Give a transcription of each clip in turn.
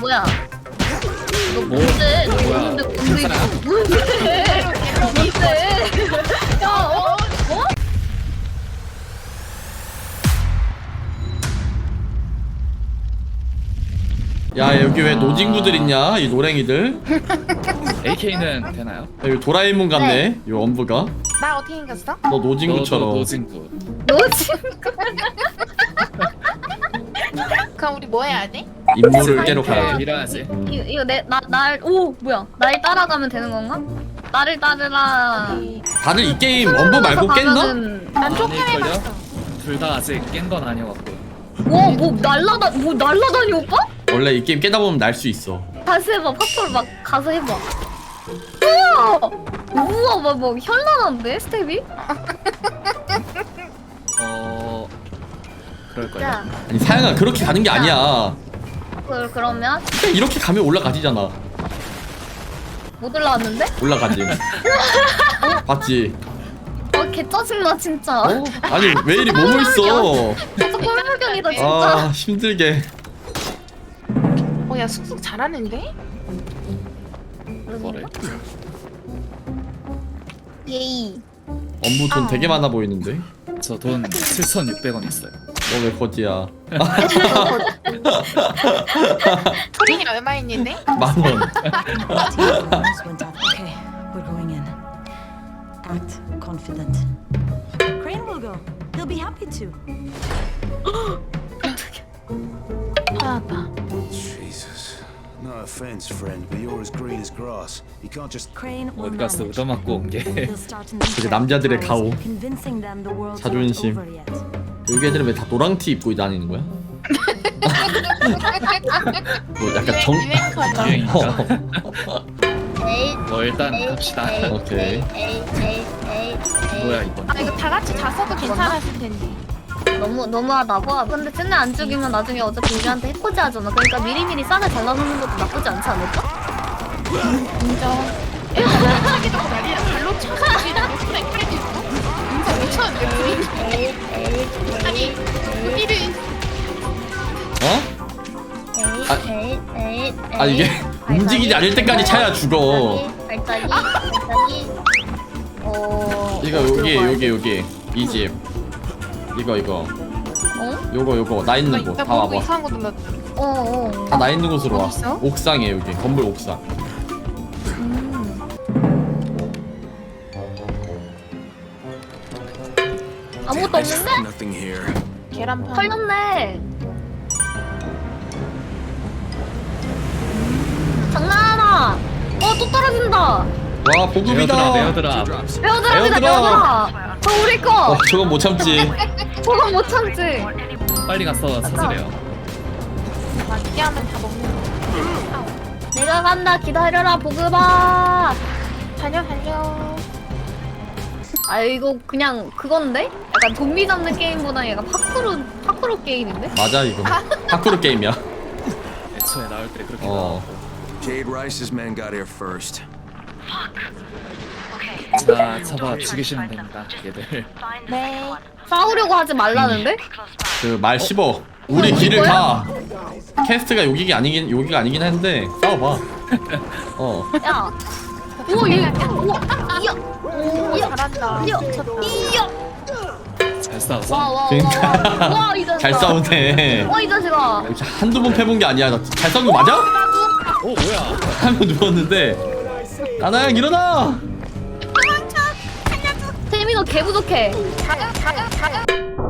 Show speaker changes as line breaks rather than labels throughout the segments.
뭐야? 너 뭔데? 너
뭐야?
뭔데? 뭔데? 야, 어?
야 여기 왜 노진구들 있냐 이 노랭이들.
AK는 되나요?
야, 여기 도라에몽 같네 이 엄부가.
나 어떻게 생겼어?
너 노진구처럼.
노진구.
너 지금
그럼 우리 뭐 해야 돼?
임무를 깨러
그래,
가야 돼.
밀어야지.
이거 오 뭐야? 날 따라가면 되는 건가? 나를 따르라.
다들 이 게임 엄부 말고 깼나?
난 조금
아닐걸요?
해봤어.
둘 다 아직 깬 건 아니어갖고.
와뭐 날라다니 오빠?
원래 이 게임 깨다 보면 날 수 있어.
다시 해봐. 팝솔 막 가서 해봐. 우와 뭐 현란한데 스텝이?
그럴걸요?
자
아니 사양아 그렇게 가는 게 아니야.
그러면
그냥 이렇게 가면 올라가지잖아.
못 올라왔는데?
올라가지. 봤지?
개 짜증나 진짜.
어? 아니 왜 이리 몸을 써?
계속 꼬매물견이다 진짜.
아 힘들게.
야 쑥쑥 잘하는데?
뭐래?
예이.
엄부 돈 되게 많아 보이는데?
저 돈 7,600원 있어요.
너 왜 거지야?
토린이 얼마 있는데?
10,000원.
Okay, we're going in. Act confident. Crane will go. He'll be happy to.
하나다.
Jesus. No offense, friend, but you're as green as grass. You can't just.
Crane will
어디 갔어?
manage.
얻어맞고 온 게.
He'll start in the
그게 남자들의 가오.
convincing them the world's not
자존심.
over yet.
여기 애들은 왜 다 노랑티 입고 다니는 거야? 뭐 약간 정.
유행커다.
유행인가?
에이.
뭐 일단 갑시다.
오케이.
뭐야 이건?
아 이거 다 같이 잤어도 괜찮았을 텐데.
너무하다고? 근데 쟤네 안 죽이면 나중에 어차피 우리한테 해코지 하잖아. 그러니까 미리미리 싸게 잘라놓는 것도 나쁘지 않지 않을까?
인정. 하기도 난리야. 발로 쳐서 우리는 목숨에 칼도 있고. 인정 미쳤는데 우리. 아니 우리를
어? 아 이게 움직이지 않을 때까지 차야 죽어.
발자기.
여기 이 집. 이거
어?
요거 나 있는 곳
나
다
보고
와봐.
이상한 거 눌렀다.
어.
다 나 있는 곳으로 와.
어딨어?
옥상에 여기 건물 옥상.
아무것도 없는데?
Nothing here.
계란판.
털렸네. 장난하나? 또 떨어진다.
와 보급이다.
에어드랍.
배우드랍이다
에어드랍.
배우드랍. 저 우리 거.
저건 못 참지.
저건 못 참지.
빨리 가서 찾으래요.
맞게 하면 다 먹는 거.
내가 간다. 기다려라 보급아.
달려 달려.
아 이거 그냥 그건데? 약간 좀비 잡는 게임보다 약간 파쿠르 게임인데?
맞아 이거. 파쿠르 게임이야.
애초에 나올 때 그렇게
어.
Jade Rice's men got here first.
자 잡아 죽이시면 됩니다 얘들.
네.
싸우려고 하지 말라는데?
그 말 씹어. 우리 길을 가. 캐스트가 여기가 아니긴 한데 싸워봐. 어.
야. 우와 우와 이야.
오 잘한다.
이야. 이야.
잘 싸웠어.
와와와와이 자식아.
잘 싸우네.
와이 자식아.
이렇게 한두 번 패본 게 아니야. 잘 싸운 거 맞아?
오 뭐야?
한 번 누웠는데. 나나야 일어나.
태민이 너 개 부족해.
자가.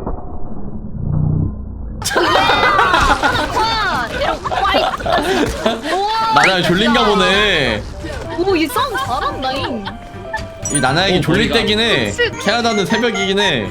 나나야 졸린가 보네.
오, 이 싸움 잘한다잉.
이 나나에게
오,
졸릴
머리가.
때긴 해. 캐나다는 새벽이긴 해.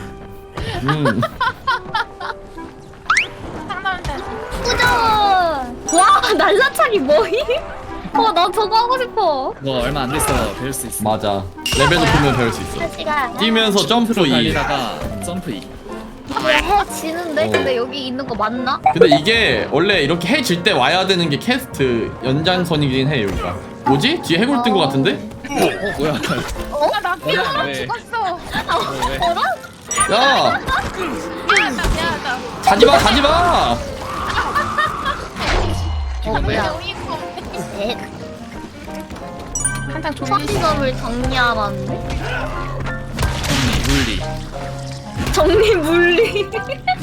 상담자.
꾸정. 와, 날라차기 뭐임? 나 저거 하고 싶어.
너 얼마 안 됐어 배울 수 있어.
맞아. 레벨 높으면 배울 수 있어.
시간.
뛰면서 점프 2.
달리다가 점프 2.
해 지는데?
어.
근데 여기 있는 거 맞나?
근데 이게 원래 이렇게 해 질 때 와야 되는 게 캐스트 연장선이긴 해 여기가. 뭐지? 뒤에 해골 뜬 거 같은데?
뭐야?
나 피부로
왜?
죽었어.
왜?
어라?
야!
미안하다.
가지마 가지마!
뭐야? 에?
한장 졸리시.
처리점을 정리하라는데?
물리.
정리 물리.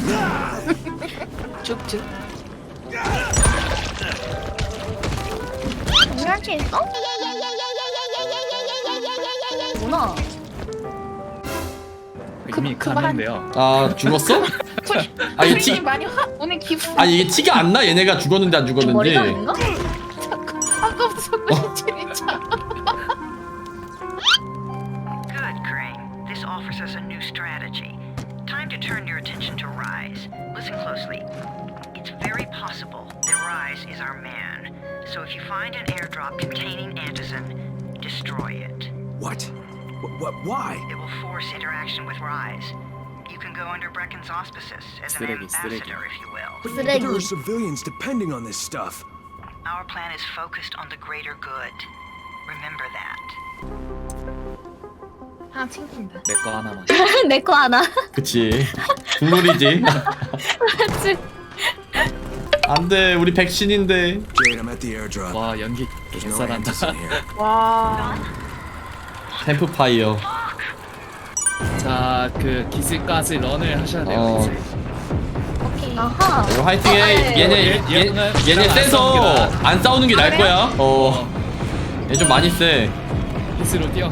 쭉쭉.
정리할 게 있어? 뭐나?
이미 가는데요.
아 죽었어? 아 이게 티
많이 오늘 기분.
아 이게 티가 안 나? 얘네가 죽었는지 안 죽었는지.
머리가 아닌가?
아까부터 진짜.
Good, Crane. This offers us a new strategy. Time to turn your attention to Rise. Listen closely. It's very possible that Rise is our man. So if you find an airdrop containing Antizin, destroy it.
What? Why?
It will force interaction with Rise. You can go under Brecken's auspices as an
쓰레기.
ambassador, if you will.
But there
쓰레기.
are civilians depending on this stuff.
Our plan is focused on the greater good. Remember that.
하나 챙긴다.
내 거 하나만.
내 거 하나.
그치. 국룰이지.
맞지?
안돼 우리 백신인데.
Jade, I'm at the airdrop.
와 연기
There's no
개잘한다.
Antizin here.
와.
캠프파이어.
자, 그 기술까지 런을 하셔야 돼요.
어.
기술.
오케이.
아하.
어, 화이팅해. 얘네 세서 안 싸우는 게 나을 거야. 얘 좀 많이 세.
기술로 뛰어.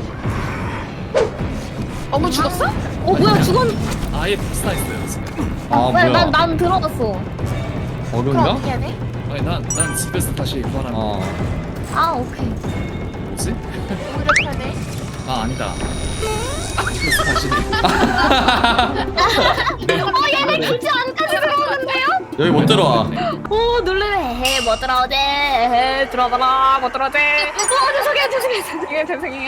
어머 죽었어?
뭐야 죽었?
아예 스타 있어요 지금.
아
왜?
뭐야?
난 들어갔어.
그럼
어려운가?
어떻게 해야 돼?
아니 난 집에서 다시 구하라는 거.
아 오케이.
뭐지?
오히려 편해.
아 아니다. 집에서 다시.
얘네 기지 안까지 들어오는데요?
여기 못 들어와.
오 놀래네. 못 들어오지. 들어가라. 못 들어오지. 죄송해요.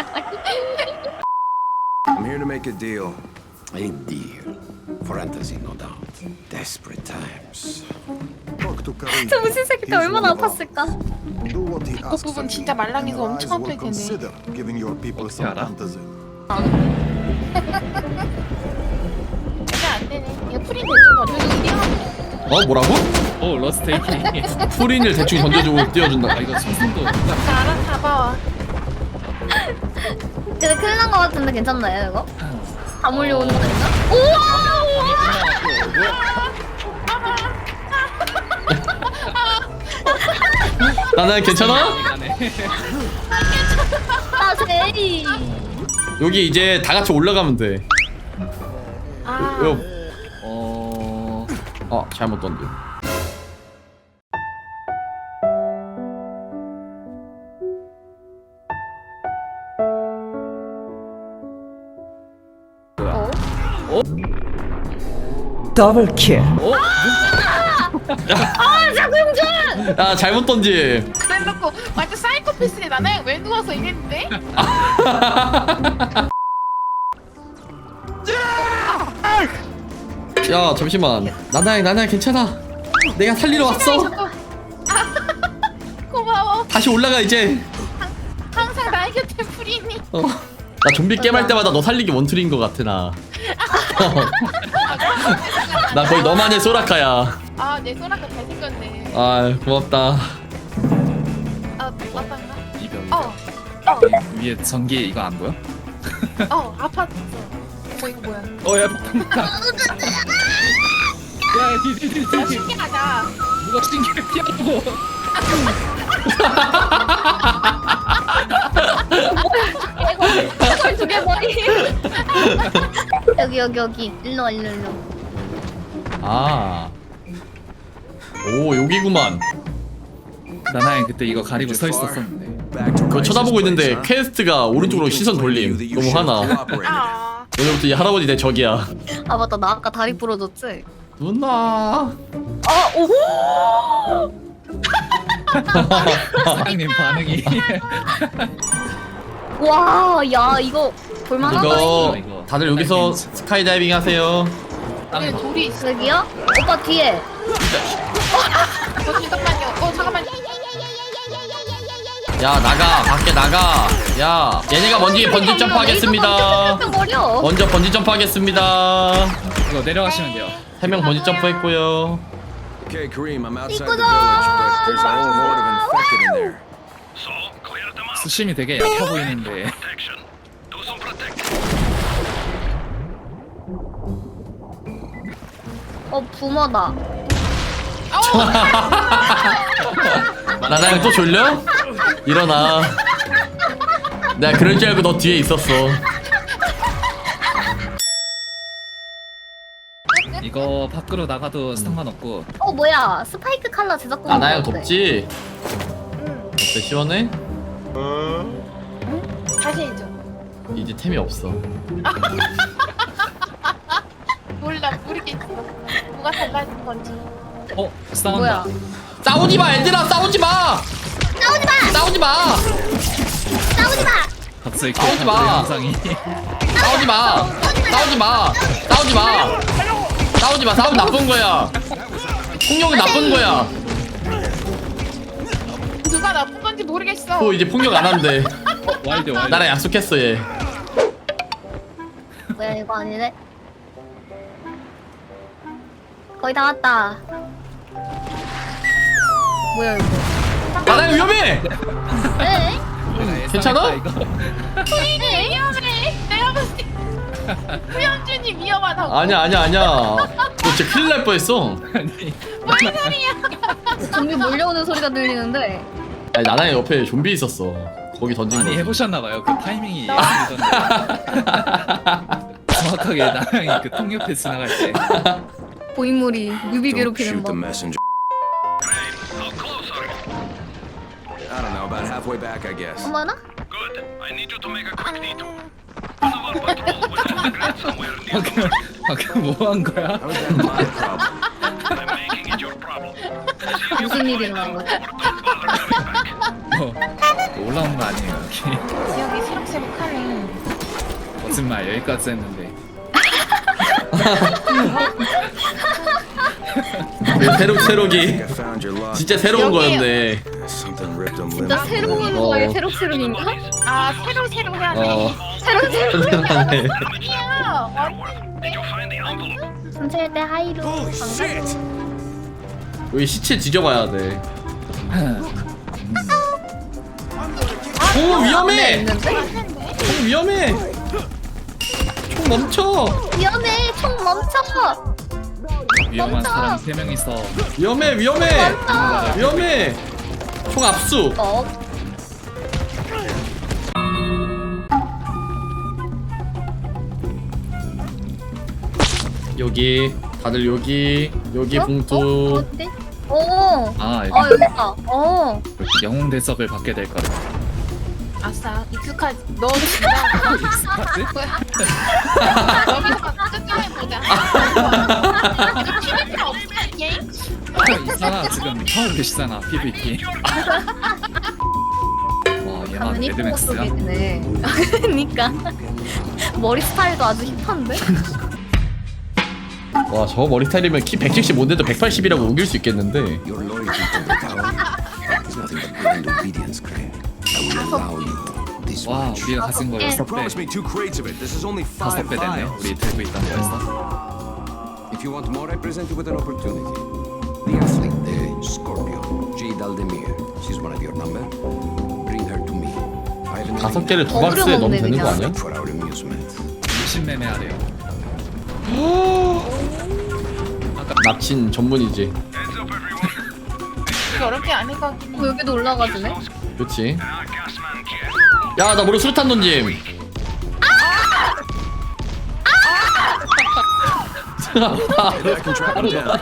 I'm here to make a deal.
A deal. For Antizin, no doubt. Desperate times.
Talk to Karim.
저 무슨 새끼 때
He's
얼마나
one of us.
아팠을까?
Do what he asks
부분
of
진짜
you, and
말랑이가
your
엄청
eyes will
아플 텐데.
consider giving your people some
알아?
Antizin.
이게 안 되네. 이거 프린 대충 어디
어 뭐라고?
오 러스테이키.
풀인을 대충 던져주고 띄워준다.
아 이거 손승도.
알아봐봐.
근데 큰일 난 거 같은데 괜찮나요 이거? 다 몰려오는 거 아닌가? 우와!
나는 괜찮아?
나 제이.
여기 이제 다 같이 올라가면 돼.
아.
요. 잘못 던져. 야 잘못 던지.
그래놓고 완전 사이코패스네. 나나야 왜 누워서 이랬는데?
야 잠시만. 나나야 괜찮아. 내가 살리러 왔어.
고마워.
다시 올라가 이제.
항상 나의 곁에 프린이.
나 좀비 게임 할 때마다 너 살리기 원툴인 것 같아 나. 나 거의 너만의 소라카야.
아, 내 소라가 잘생겼네.
아 고맙다.
아, 맞단가?
이병. 위에 전기 이거 안 보여?
아팠어. 이거 뭐야?
야 폭탄. 야 뒤.
신기하다.
누가 신기를 피하고.
이걸 두개 머리. 여기 일로.
오 여기구만.
나나야 그때 이거 가리고 서 있었었는데.
Back to
그거
Rice's
쳐다보고 있는데
place, huh?
퀘스트가 오른쪽으로 시선 돌림. 너무 화나.
아,
오늘부터 이 할아버지 내 적이야.
아 맞다 나 아까 다리 부러졌지?
누나.
사장님 반응이.
와, 야 이거 볼만하다.
이거 다들 여기서 스카이다이빙 하세요.
여기 돌이 있어.
여기요? 오빠 뒤에.
잠깐만요. 잠깐만요.
야 나가 밖에 나가. 야 얘네가 먼저 번지 점프 하겠습니다.
머려.
먼저 번지 점프 하겠습니다.
이거 내려가시면 돼요.
3명 번지 점프 했고요.
Okay, Kareem, I'm outside the
이거다!
village, but there's a whole horde of infected in there.
수심이 되게 얕아 보이는데.
붕어다.
나나양 또 졸려? 일어나. 내가 그럴 줄 알고 너 뒤에 있었어.
이거 밖으로 나가도 상관없고.
뭐야? 스파이크 칼라 제작공.
나나양 덥지? 어때, 시원해?
다시 해줘.
이제 템이 없어.
몰라 모르겠어. 뭐가 달라진 건지.
싸운다.
뭐야?
싸우지 마, 얘들아, 싸우지 마!
싸우지 마!
싸우지 마!
싸우지 마!
갑자기
싸우지 마.
영상이.
싸우지 마! 싸우지 마! 싸우지 마! 싸우지 마! 싸우면 나쁜 거야! 폭력은 나쁜 거야!
누가 나쁜 건지 모르겠어.
또 이제 폭력 안 한대.
와일드.
나랑 약속했어, 얘.
뭐야 이거 아니네? 거의 다 왔다. 뭐야 이거?
나나양 위험해!
네?
괜찮아?
이거.
네, 위험해. 내가 봤을 때 후연준이 위험하다고.
아니야. 너 진짜 큰일 날 뻔했어.
아니.
뭔 소리야?
좀비 몰려오는 소리가 들리는데.
아니, 나나양 옆에 좀비 있었어. 거기 던진
아니
거.
해보셨나봐요. 그 타이밍이 예술이던데. 정확하게 나랑이 그 통 옆에 지나갈 때.
고인물이 뮤비
Don't
괴롭히는
shoot the
법.
messenger.
I don't know, about halfway back, I guess.
어머나?
방금 뭐 한 거야?
How is that my problem?
무슨 일이 일어난 거지?
올라온 거 아니에요 여기.
지역이 새록새록하네.
거짓말 여기까지 했는데.
새록새록이
I found your lost.
진짜 새로운
여기에요.
거였네.
Something ripped them
진짜
limb.
새로운 거에 새록새록인가?
아 새로 해야네.
어.
새록새록하네.
아니야.
순찰 때 하이로 반가워.
여기 시체 뒤져봐야 돼. 오, 위험해! 총 위험해! 총 멈춰!
위험해! 총 멈춰!
위험한
멈춰!
사람 3명 있어.
위험해! 위험해! 총 압수! 여기 다들 여기 봉투.
어디? 오!
아 여기
여기 있다.
영웅 대접을 받게 될 거야.
아싸 익숙하지. 너 진짜.
익숙하지?
여기서 끝장을 보자. 이거 튀길 필요 없어 이 게임.
있잖아 지금 하고 계시잖아 PVP. 와 얘만
당연히 포
매드맥스야.
속이네. 그니까. 머리 스타일도 아주 힙한데?
와, 저 머리 스타일이면 키 175인데도 180이라고 우길 수 있겠는데.
Your loyalty to the tower is nothing but blind obedience, Crane. I will allow you this
와
much.
우리가 가진 거 6배.
Promise me 2 crates of it. This is only 5
5배 됐네.
vials.
우리 들고 있던 거에서.
If you want more, I present you with an opportunity. The athlete, the Scorpio, Jade Aldemir. She's one of your number. Bring her to me. I have an
5개를 두
어그로
박스에 넣으면
먹네,
되는 거
그냥.
아니야?
for our amusement.
60매매 하래요.
납친 전문이지.
이게 어렵게 안 해가긴 해.
여기도 올라가지네?
그렇지. 야, 나 머리 수류탄 던짐.
I can track him down.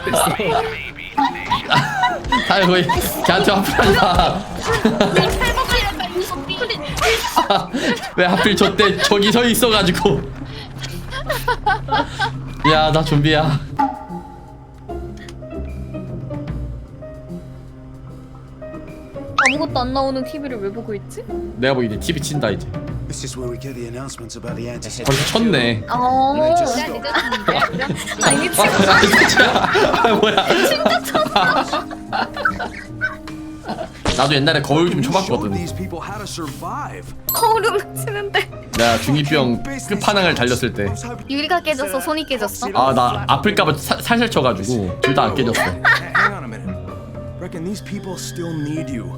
다 거의 걔한테 화풀한다.
탈모가 이런다 이 소리.
왜 하필 저때 저기 서 있어가지고. 야, 나 좀비야.
아무것도 안 나오는 TV를 왜 보고 있지?
내가 뭐 이제 TV 친다 이제.
This is where we get the announcements about the anti.
벌써 쳤네.
아니
아, 뭐야? 나도 옛날에 거울 좀
Showed
쳐봤거든.
these people how to survive.
거울은 치는데
내가 중2병 끝판왕을 달렸을 때.
유리가 깨졌어, 손이 깨졌어.
아, 나 아플까봐 살살 쳐가지고 둘 다 안 깨졌어.
Hang on and these people still need you.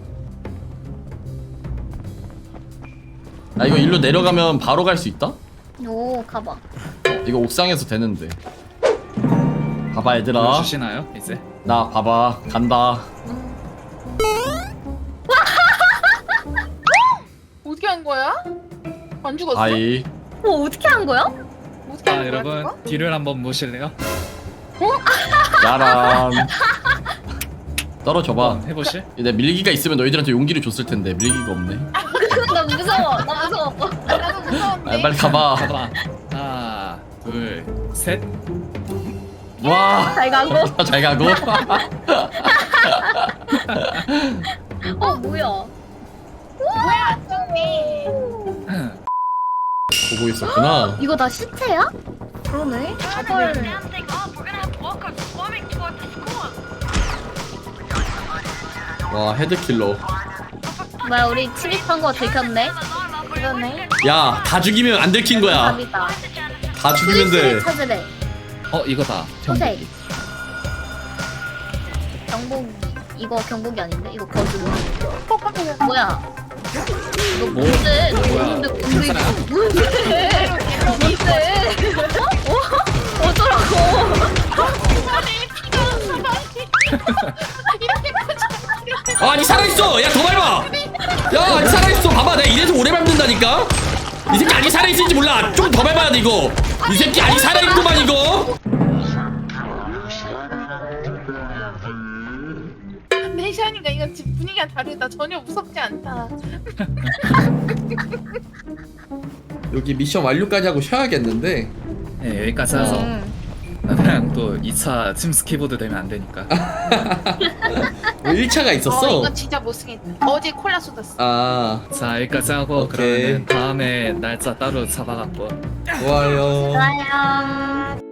아 이거 일로 내려가면 바로 갈 수 있다?
오 가봐.
이거 옥상에서 되는데. 봐봐 얘들아.
주시나요 이제?
나 봐봐 간다.
어떻게 한 거야? 안 죽었어?
아이.
어떻게 한 거야?
어떻게
아
한 거야?
여러분
그거?
뒤를 한번 보실래요?
야람. 떨어져봐.
한번 해보실?
내 밀기가 있으면 너희들한테 용기를 줬을 텐데 밀기가 없네.
나 무서워. 나 무서워.
나도 무서운데.
아, 빨리 가봐.
가봐. 하나, 둘, 셋.
와.
잘 가고.
잘 가고.
뭐야?
뭐야 안 죽네.
보고 있었구나.
이거 다 시체야? 그러네. 헐.
Damn thing up. We're gonna have walkers swarming toward the school.
와 헤드킬러.
뭐야 우리 침입한 거 들켰네.
그러네.
야 다 죽이면 안 들킨 거야.
답이다.
다 죽이면 돼.
스위치를 찾으래.
이거다.
소색. 경복 이거 경복이 아닌데 이거 거주. 뭐야? 이거
뭐?
뭔데?
뭐야?
뭔데? 뭔데? 이거 뭔데? 뭔데? 어쩌라고?
아니 살아있어. 야 더 밟아. 야 아니 살아있어. 봐봐 내가 이래서 오래 밟는다니까. 이 새끼 아니 살아있을지 몰라. 좀 더 밟아야 돼 이거. 이 새끼 아니 살아있구만 이거.
내시하니까 이건 집 분위기가 다르다. 전혀 무섭지 않다.
여기 미션 완료까지 하고 쉬어야겠는데.
네 여기까지 해서 그냥 또 2차 침스 키보드 되면 안 되니까.
1차가 있었어.
이건 진짜 못쓰겠다. 어제 콜라 쏟았어.
아
자 여기까지 하고
오케이.
그러면 다음에 날짜 따로 잡아갖고.
좋아요.
좋아요.